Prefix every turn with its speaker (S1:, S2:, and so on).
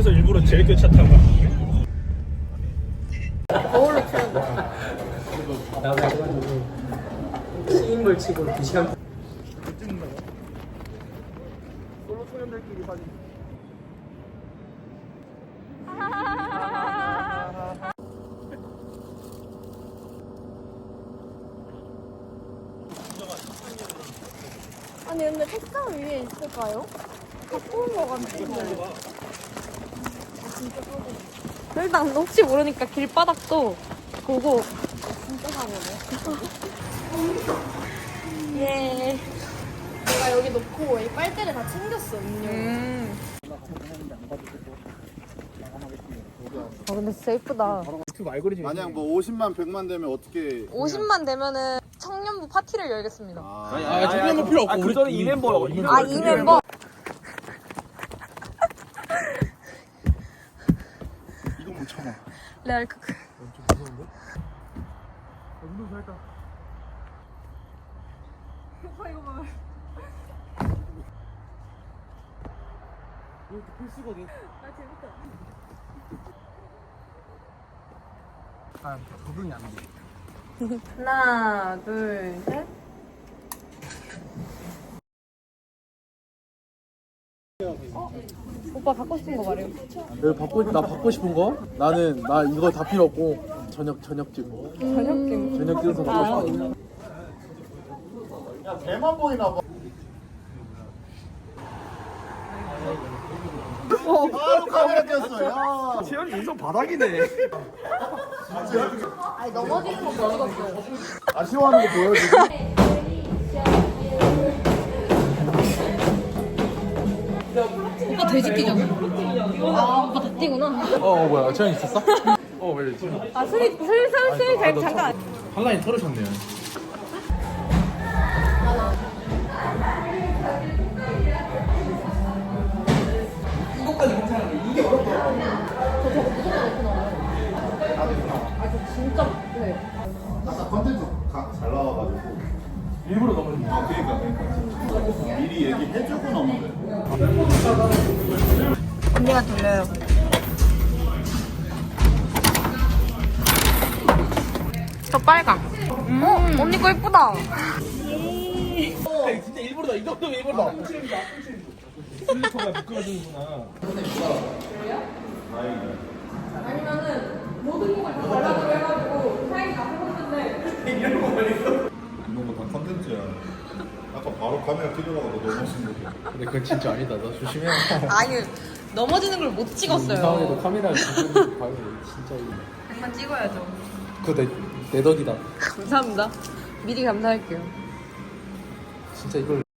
S1: 그래서 일부러 제일 끝차 타고
S2: 거울로 켜는 거.
S3: 나도 해가지고 시인물 치고 2시간
S1: 찍는다고? 솔로 소년들끼리 사진.
S2: 아니 근데 책상 위에 있을까요? 갖고 온 거 같은데. 진짜 사고. 일단 혹시 모르니까 길바닥도 보고. 진짜 사고네. 예. 내가 여기 놓고 이 빨대를 다 챙겼어 음료. 근데 진짜 예쁘다.
S1: 유튜브 알고리즘이
S4: 만약 뭐 50만 100만 되면 어떻게
S2: 50만 되면은 청년부 파티를 열겠습니다.
S1: 아 정말 필요 없고 우리 전에 이 멤버
S2: 이 멤버.
S4: 이거 못 참아.
S2: 레알 크크.
S1: 좀 무서운데? 운동 잘했다.
S2: 이거 봐.
S1: 이렇게 필수거든.
S2: 아 재밌다.
S1: 아 적응이 안 돼.
S2: 하나, 둘, 셋. 오빠 갖고 싶은 거 말해요.
S5: 나 받고 싶은 거? 나 이거 다 필요 없고 저녁집 저녁 집에서 받고 싶어.
S4: 야 배만 보이나 봐. 바로 카메라 꼈어. 야.
S1: 채연이 인성 바닥이네.
S2: 아니 넘어지는 거 못 찍었어요.
S4: 아쉬워하는 거 보여 지금?
S2: 오빠 돼지 뛰잖아. 아 오빠 다 뛰구나.
S5: 뭐야 채연 있었어? 왜 이러지?
S2: 아 슬슬 잠깐.
S5: 한 라인 털으셨네요.
S4: 아까 컨텐츠 잘 나와가지고.
S5: 일부러 넘어진 거.
S4: 그러니까. 미리 얘기해주고 넘는 거야.
S2: 언니가 돌려요. 저 빨강. 언니 거 예쁘다.
S1: 진짜 일부러다. 이 정도면 일부러다. 슬리퍼가 미끄러지는구나.
S4: 이런 거 다 컨텐츠야. 아까 바로 카메라 켜려고 너 너무 멋진 거.
S5: 근데 그건 진짜 아니다. 너 조심해.
S2: 아니 넘어지는 걸 못 찍었어요.
S5: 이상하게도 카메라를 지금 봐요. 진짜 이거.
S2: 한번 찍어야죠.
S5: 그거 내 덕이다.
S2: 감사합니다. 미리 감사할게요.
S5: 진짜 이걸